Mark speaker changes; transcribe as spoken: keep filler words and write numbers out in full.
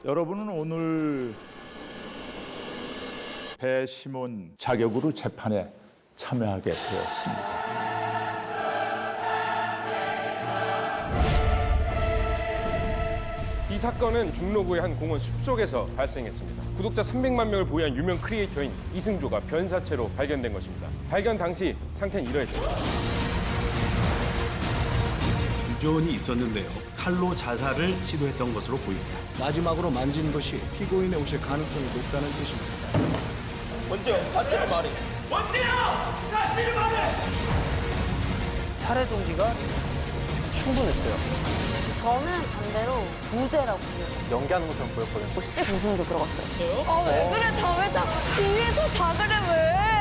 Speaker 1: 여러분은 오늘 배심원 자격으로 재판에 참여하게 되었습니다.
Speaker 2: 이 사건은 중로구의 한 공원 숲속에서 발생했습니다. 구독자 삼백만 명을 보유한 유명 크리에이터인 이승조가 변사체로 발견된 것입니다. 발견 당시 상태는 이러했습니다.
Speaker 3: 주저원이 있었는데요. 칼로 자살을 시도했던 것으로 보입니다.
Speaker 4: 마지막으로 만진 것이 피고인의 옷일 가능성이 높다는 뜻입니다.
Speaker 5: 원재영, 사실을 말해. 원재영! 사실을 말해! 살해 동기가 충분했어요.
Speaker 6: 저는 반대로 무죄라고 보여요.
Speaker 5: 연기하는 것처럼 보였거든요.
Speaker 6: 씨 무슨도 들어갔어요.
Speaker 7: 아, 왜 그래? 다 왜 다 뒤에서 다 그래 왜?